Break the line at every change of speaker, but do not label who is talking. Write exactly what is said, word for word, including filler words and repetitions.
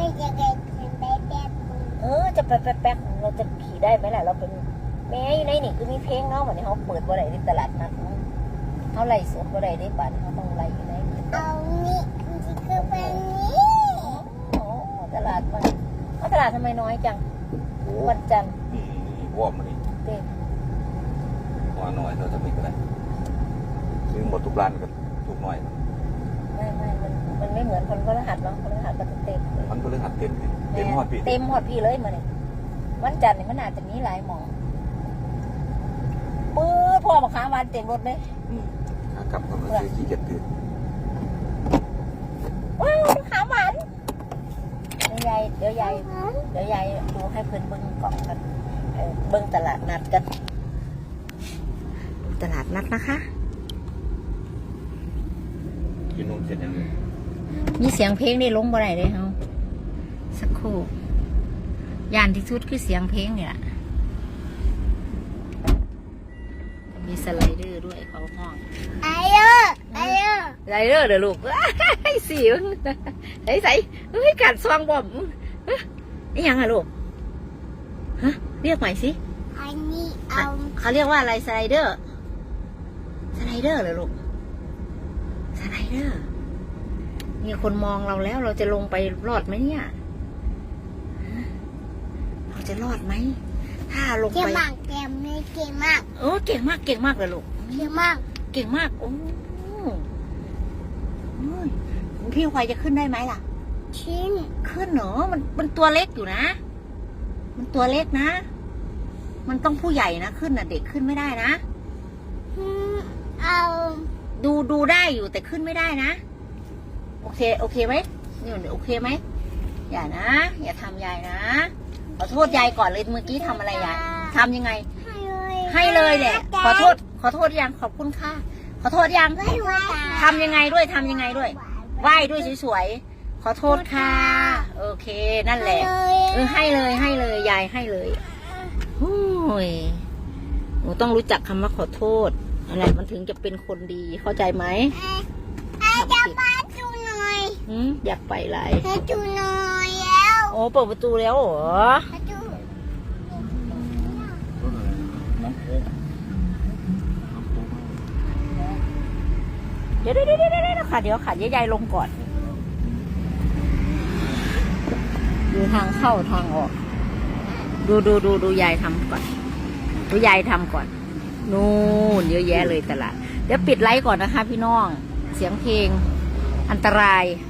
จะไปเป็นไปแบบ
เออจะไปแป๊กๆเราจะขี่ได้ไหมล่ะเราเป็นแม่อยู่ในนี่คือมีเพลงเนาะวันนี้เขาเปิดบ่ได้ในตลาดนัดเขาไล่สดบ่ได้ในบ้านเขาต้องไล่อยู่ใน
เอานี่มันจะคือเป็นนี้
โอ้ตลาดมันตลาดทำไมน้อยจังวันจันทร์
นี่วอร์มมานี่
เต็ม
ว่าน้อยเราจะมีก็ได้ซื้อหมดทุกร้านกันทุกหน่อย
ไม่ไม่มันมันไม่เหมือนคนพฤหัสเนาะคนพฤหัสก็จะเต็มเลย
มันก็เลยหัดเต็มเลยเต็มหอดปี
เต็มหอดพี่เลยมาเนี่ยวันจันทร์นี่มันอาจจะมีหลายหมองปื้อพ่อมาค้าวันเต็มรถเลย
อืมขากลับก็มาซื้อขี้เกียจตื่น
ว้าวขาหวานเดี๋ยวยายเดี๋ยวยายเดี๋ยวยายดูให้เพื่อนเบิ้งกล่องกันเออเบิ้งตลาดนัดกันดูตลาดนัดนะคะ
กินนมเสร็จยังเลย
มีเสียงเพลงได้ลงบ่ได้เลยเฮาสักครู่ยานที่สุดคือเสียงเพลงนี่แหละมีสไลเดอร์ด้วยเขาห้อง
ไอ้เด้อไอ้เด้อ
สไลเดอร์เด้อลูกไอ้สิวใส่ใส่เฮ้ยกัดซองบอมนี่ยังอะลูกฮะเรียกใหม่สิ
อันนี้เอา
เขาเรียกว่าอะไรสไลเดอร์สไลเดอร์เหรอลูกสไลเดอร์มีคนมองเราแล้วเราจะลงไปรอดไหมเนี่ยเราจะรอดไหมถ้าลง
เก่ง
ไป
มากเก่งไม่เก่งมาก
โอ้เก่งมากเก่งมากเลยลูก
เก่งมาก
เก่งมากโอ้โอ้ยพี่ควายจะขึ้นได้ไหมล่ะ
ชิ้น
ขึ้นเหรอมันมันตัวเล็กอยู่นะ มันตัวเล็กนะ มันต้องผู้ใหญ่นะขึ้นน่ะเด็กขึ้นไม่ได้นะ
อืมเอา
ดูดูได้อยู่แต่ขึ้นไม่ได้นะโอเคโอเคไหมนี่โอเคไหมอย่านะอย่าทำยายนะขอโทษยายก่อนเลยเมื่อกี้ทำอะไรยายทำยังไง
ให้เลย
ให้เลยแหละขอโทษขอโทษยังขอบคุณค่ะขอโทษยัง
ให้เลย
ทำยังไงด้วยทำยังไงด้วยไหว้ด้วยสวยๆขอโทษค่ะโอเคนั่นแหละเออให้เลยให้เลยยายให้เลยโอ้ยหนูต้องรู้จักคำว่าขอโทษอะไรมันถึงจะเป็นคนดีเข้าใจไหม
ไอ้จะมาดูหน่อย
หืมอยากไปไร
ให้ดูหน่อยแล้ว
โอ้เปิดประตูแล้วเหรอ
ให้ดู
น้ำโค้งน้ำโค้ง
เดี๋ยวเดี๋ยวเดี๋ยวเดี๋ยวค่ะเดี๋ยวค่ะยายลงก่อนดูทางเข้าทางออก ดูดูดูดูยายทำก่อนดูยายทำก่อนนู่นเยอะแยะเลยตลาดเดี๋ยวปิดไลฟ์ก่อนนะคะพี่น้องเสียงเพลงอันตราย